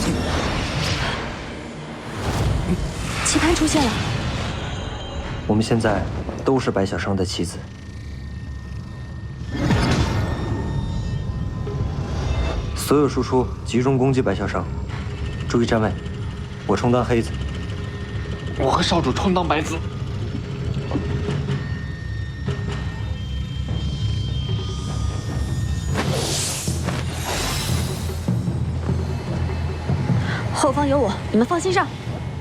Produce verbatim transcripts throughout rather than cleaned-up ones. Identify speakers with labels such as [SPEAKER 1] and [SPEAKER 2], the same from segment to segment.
[SPEAKER 1] 棋盘出现了。
[SPEAKER 2] 我们现在都是白小生的棋子。所有输出集中攻击白小生，注意站位。我充当黑子。
[SPEAKER 3] 我和少主充当白子。
[SPEAKER 1] 后方有我，你们放心上。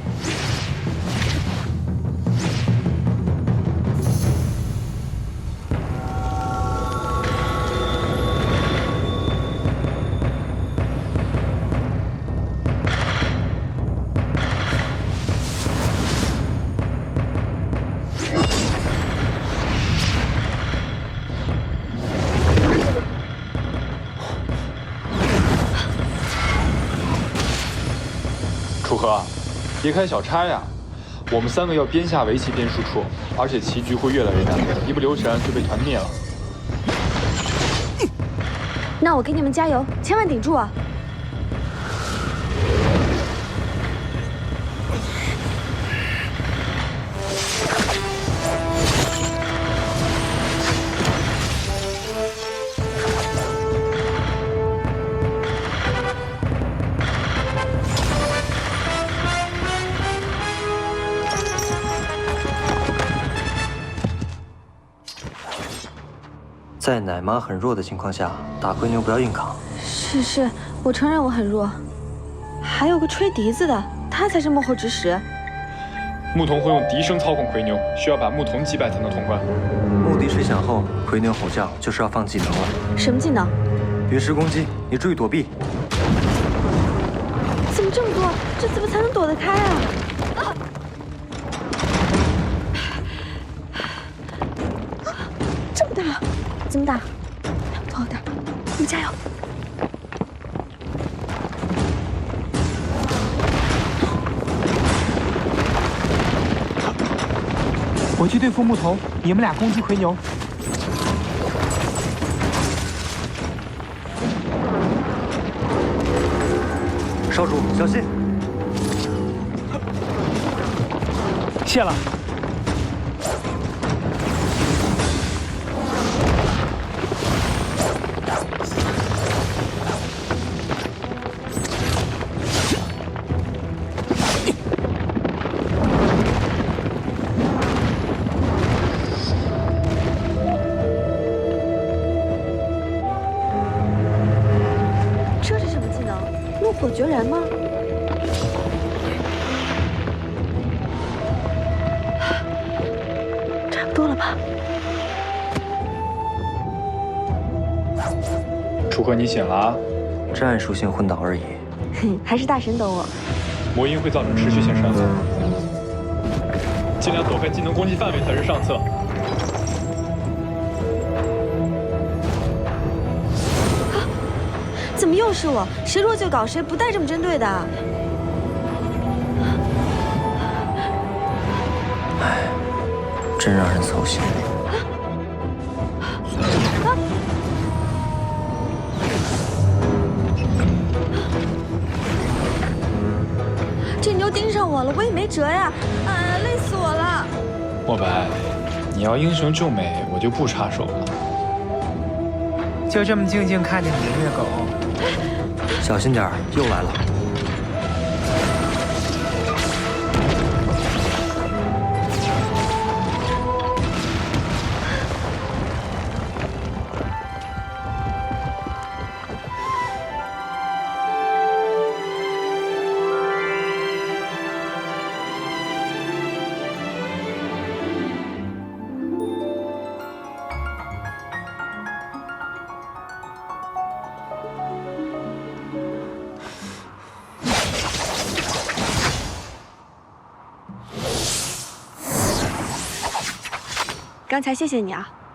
[SPEAKER 3] 楚河，别开小差呀！我们三个要边下围棋边输出，而且棋局会越来越难，一不留神就被团灭了。
[SPEAKER 1] 那我给你们加油，千万顶住啊！
[SPEAKER 2] 在奶妈很弱的情况下，打奎牛不要硬扛。
[SPEAKER 1] 是是，我承认我很弱。还有个吹笛子的，他才是幕后指使。
[SPEAKER 3] 牧童会用笛声操控奎牛，需要把牧童击败才能通关。
[SPEAKER 2] 目的吹响后，奎牛吼叫就是要放技能了。
[SPEAKER 1] 什么技能？
[SPEAKER 2] 陨石攻击，你注意躲避。
[SPEAKER 1] 怎么这么多？这怎么才能躲得开啊？啊！这么大，这么大，不好打，你们加油！
[SPEAKER 4] 我去对付牧童，你们俩攻击奎牛。
[SPEAKER 2] 少主小心！
[SPEAKER 4] 谢了。
[SPEAKER 1] 这是什么技能？怒火决然吗？差不多了吧？
[SPEAKER 3] 楚河，你醒了啊！
[SPEAKER 2] 战术性昏倒而已。
[SPEAKER 1] 哼，还是大神懂我。
[SPEAKER 3] 魔音会造成持续性伤害，尽量躲开技能攻击范围才是上策。
[SPEAKER 1] 怎么又是我？谁弱就搞谁，不带这么针对的。
[SPEAKER 2] 唉，真让人操心。
[SPEAKER 1] 啊！这牛盯上我了，我也没辙呀！啊，累死我了！
[SPEAKER 3] 墨白，你要英雄救美，我就不插手了。
[SPEAKER 4] 就这么静静看着你虐狗。
[SPEAKER 2] 小心点儿，又来了！
[SPEAKER 1] 刚才谢谢你啊。